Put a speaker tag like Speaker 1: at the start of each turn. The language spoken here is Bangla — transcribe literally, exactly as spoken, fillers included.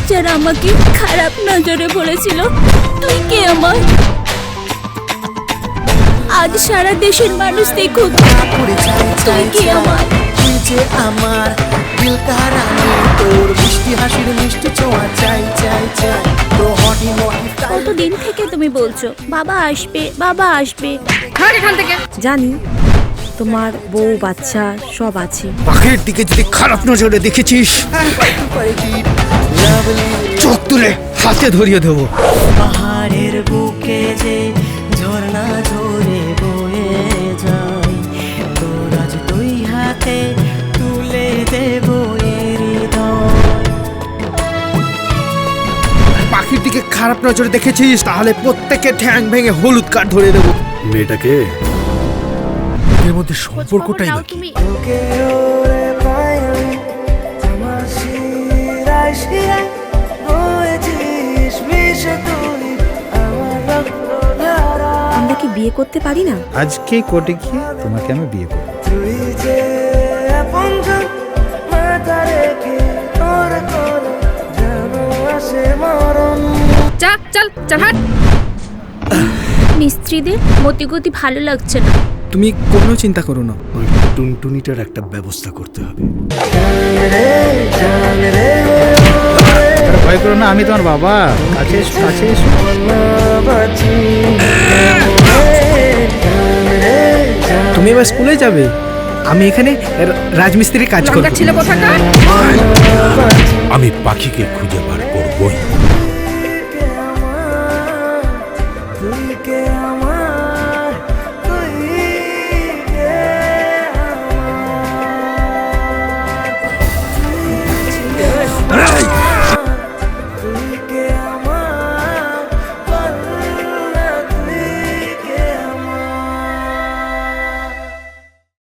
Speaker 1: যারা আমাকে খারাপ নজরে বলেছিল, তুই কে আমার? আজ সারা দেশের মানুষ দেখুক তুই কে আমার।
Speaker 2: তুই যে আমার দিল কা রানী, তোর মিষ্টি হাসির মিষ্টি ছোঁয়া চাই চাই চাই, তো হটি মটি।
Speaker 1: কতদিন থেকে তুমি বলছো বাবা আসবে বাবা আসবে?
Speaker 3: এখান থেকে
Speaker 4: জানি তোমার বউ বাচ্চা সব আছে।
Speaker 5: পাখির দিকে যদি খারাপ নজরে দেখেছিস, চোখ তুলে হাতে ধরিয়ে দেবো।
Speaker 2: পাহাড়ের বুকে যে ঝর্ণা ঝরে বয়ে যায়, তোর আজ দুই হাতে তুলে দেব
Speaker 5: পাখির দিকে খারাপ নজরে দেখেছিস, তাহলে প্রত্যেকে ঠ্যাং ভেঙে হলুদ কার্ড ধরে দেবো।
Speaker 6: মেয়েটাকে
Speaker 5: এর মধ্যে সম্পর্কটাই নাকি
Speaker 1: তুমি
Speaker 4: আমরা কি বিয়ে করতে পারি না?
Speaker 6: আজকে কোর্টে গিয়ে তোমাকে আমি বিয়ে করব।
Speaker 3: চল চল চল হাট।
Speaker 1: মিস্ত্রিদের মতিগতি ভালো লাগছে না।
Speaker 5: তুমি কোনো চিন্তা করো না,
Speaker 6: ওই টুনটুনিটার একটা ব্যবস্থা করতে হবে। ভয় করো না, আমি তোমার বাবা। কাছে এসো, কাছে এসো।
Speaker 5: তুমি এবার স্কুলে যাবে, আমি এখানে রাজমিস্ত্রির কাজ করব।
Speaker 3: ছিল কোথাকার?
Speaker 7: আমি পাখিকে খুঁজে বার করবই।